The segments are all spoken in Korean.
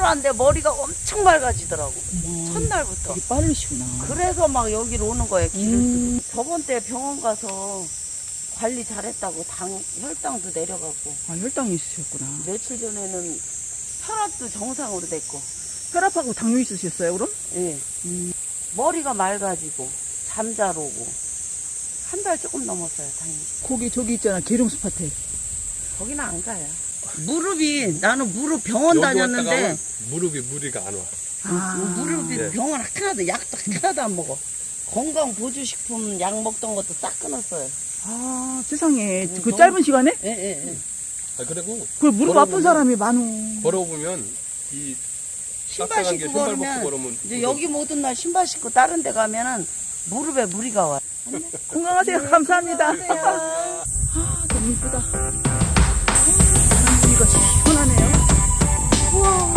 왔는데 머리가 엄청 맑아지더라고. 첫날부터. 되게 빠르시구나. 그래서 막 여기로 오는 거예요, 길을. 저번 때 병원 가서 관리 잘했다고 혈당도 내려가고. 아, 혈당이 있으셨구나. 며칠 전에는 혈압도 정상으로 됐고. 혈압하고 당뇨 있으셨어요, 그럼? 예. 머리가 맑아지고 잠잘 오고. 한 달 조금 넘었어요, 다행히. 거기 저기 있잖아, 계룡스파테. 거기는 안 가요. 나는 무릎 병원 다녔는데 무릎이 무리가 안 와. 무릎이 네. 병원 하나도 약도 하나도 안 먹어. 건강 보조식품 약 먹던 것도 싹 끊었어요. 아, 세상에. 그 너무- 짧은 시간에? 예. 그리고 그 무릎 아픈 사람이 많어. 걸어보면 이 신발 딱딱한 게 신고 신발 벗고 걸으면 걸으면 이제 여기 모든 날 신발 신고 다른 데 가면은 무릎에 무리가 와요. 건강하세요. 감사합니다. 안녕하세요. 아, 너무 이쁘다. 바람소리가 시원하네요. 우와.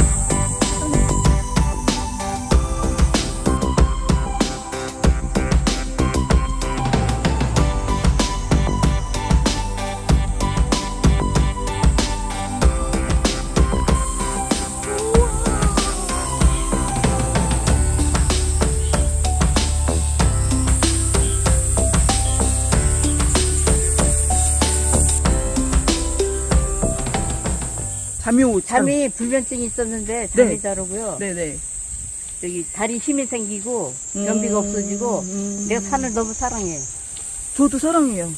잠이 불면증이 있었는데 네. 잠이 잘 오고요. 네네. 여기 다리 힘이 생기고 변비가 없어지고 내가 산을 너무 사랑해요. 저도 사랑해요.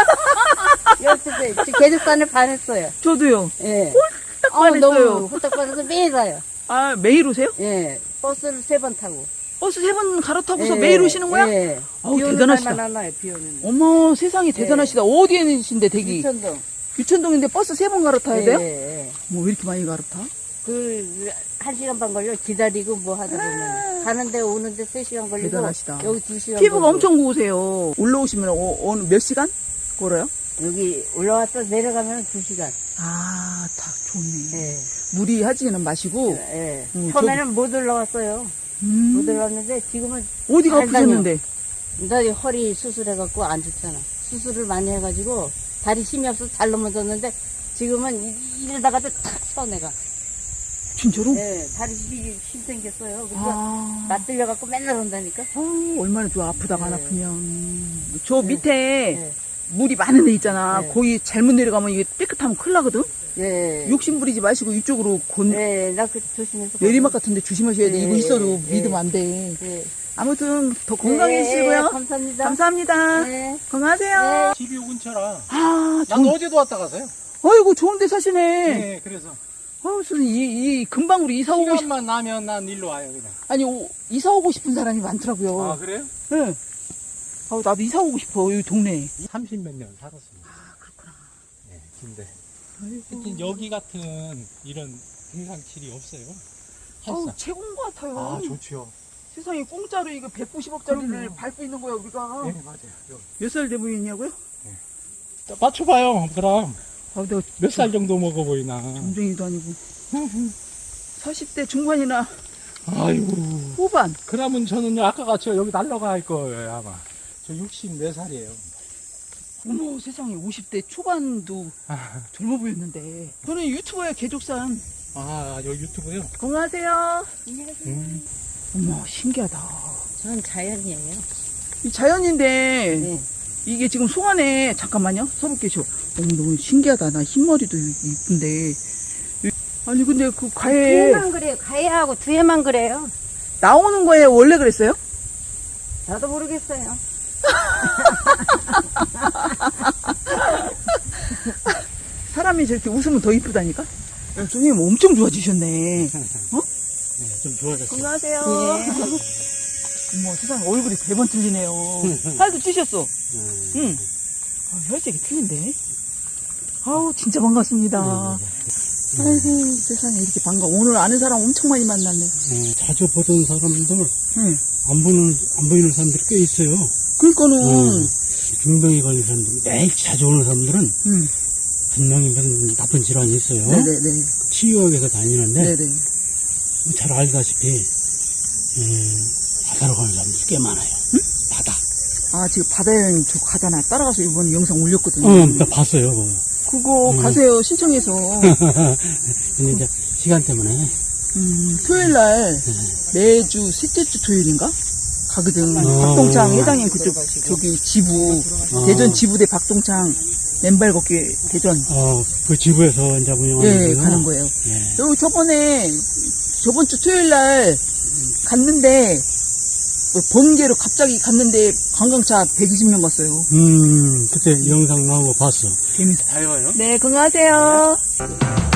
여태 계륵산을 반했어요. 저도요. 예. 딱 반했어요. 너무 후딱 반해서 매일 가요. 아, 매일 오세요? 예. 버스를 3번 타고. 버스 3번 갈아타고서 예. 매일 오시는 거야? 예. 아우, 비 오는 대단하시다. 날만 안 와요. 비 오는 날. 어머, 세상에 대단하시다. 어디에 계신데, 댁이? 유천동. 유천동인데 버스 3번 갈아타야 돼요? 예. 뭐, 왜 이렇게 많이 갈아타? 1시간 반 걸려 기다리고 뭐 하다 보면 가는데 오는데 3시간 걸리고 대단하시다. 여기 2시간 피부가 걸리고. 엄청 고우세요. 올라오시면 어느 몇 시간 걸어요? 여기 올라왔다 내려가면 2시간. 아, 다 좋네. 예. 무리하지는 마시고. 예. 음, 처음에는 못 올라왔어요. 못 올라왔는데 지금은 어디가 잘 다녀. 아프셨는데? 나 허리 수술해갖고 안 좋잖아. 수술을 많이 해가지고 다리 힘이 없어서 잘 넘어졌는데 지금은 이러다가도 탁 서 내가. 진짜로? 예, 다리 힘 생겼어요. 그래서 아, 맞들려갖고 맨날 온다니까. 얼마나 좋아. 아프다가 안 네. 아프면. 저 네. 밑에 네. 물이 많은 데 있잖아. 네. 거기 잘못 내려가면 이게 삐끗하면 큰일 나거든? 예. 욕심 부리지 마시고 이쪽으로 예, 나 그 조심해서. 내리막 같은데 조심하셔야 돼. 네. 이거 있어도 네. 믿으면 안 돼. 예. 아무튼 더 건강해지시고요. 감사합니다. 감사합니다. 네. 건강하세요. 집이 요 근처라. 아, 난 어제도 왔다 가서요. 아이고, 좋은 데 사시네. 네, 그래서. 무슨 금방으로 이사 오고 싶, 시간만 나면 난 일로 와요, 그냥. 아니, 이사 오고 싶은 사람이 많더라고요. 아, 그래요? 네. 나도 이사 오고 싶어, 여기 동네에. 30몇 년 살았습니다. 아, 그렇구나. 네, 근데. 아이고. 하여튼 여기 같은 이런 등산길이 없어요. 아우, 헬사. 최고인 것 같아요. 아, 좋죠. 세상에 공짜로 이거 190억짜리를 그럼요. 밟고 있는 거야, 우리가. 네, 맞아요. 여기. 몇 살 돼 보이냐고요? 맞춰봐요, 그럼. 아, 내가 몇 살 정도 먹어 보이나. 점쟁이도 아니고. 40대 중반이나 아이고. 후반. 그러면 저는 아까 같이 여기 날라갈 거예요, 아마. 저 64살이에요. 어머, 세상에 50대 초반도 젊어 보였는데. 저는 유튜버의 개족산. 아, 여기 유튜브요? 건강하세요. 어머, 신기하다. 저는 자연이에요. 이 자연인데, 네. 이게 지금 송안에, 잠깐만요. 서로 계셔. 어머, 너무 신기하다. 나 흰머리도 이쁜데. 아니, 근데 그 과에 두해만 그래요. 가해하고 두해만 그래요. 나오는 거에 원래 그랬어요? 나도 모르겠어요. 사람이 저렇게 웃으면 더 이쁘다니까? 선생님 엄청 좋아지셨네. 네, 좀 좋아졌어요. 건강하세요. 어머, 세상에 얼굴이 100번 틀리네요. 살도 찌셨어. 응. 혈색이 틀린데? 아우, 진짜 반갑습니다. 아이고, 세상에 이렇게 반가워. 오늘 아는 사람 엄청 많이 만났네. 자주 보던 사람들, 응. 안 보이는 사람들이 꽤 있어요. 그러니까는, 중병에 걸린 사람들, 매일 자주 오는 사람들은 응. 분명히 무슨 나쁜 질환이 있어요. 네네네. 치유학에서 다니는데, 네네. 잘 알다시피, 바다로 가는 사람들이 꽤 많아요. 바다. 아, 지금 바다여행 저 가다나 따라가서 이번 영상 올렸거든요. 나 봤어요. 그거 가세요, 신청해서. 근데 이제 시간 때문에 토요일 날 매주 셋째 주 토요일인가? 가거든. 박동창 회장님 그쪽, 저기 지부, 대전 지부대 박동창 맨발 걷기 대전. 그 지부에서 이제 운영하는 예, 거구나. 가는 거예요. 예. 여기 저번 주 토요일 날 갔는데, 번개로 갑자기 갔는데 관광차 120명 갔어요. 그때 영상 나온 거 봤어. 재밌어. 잘 가요. 네, 건강하세요.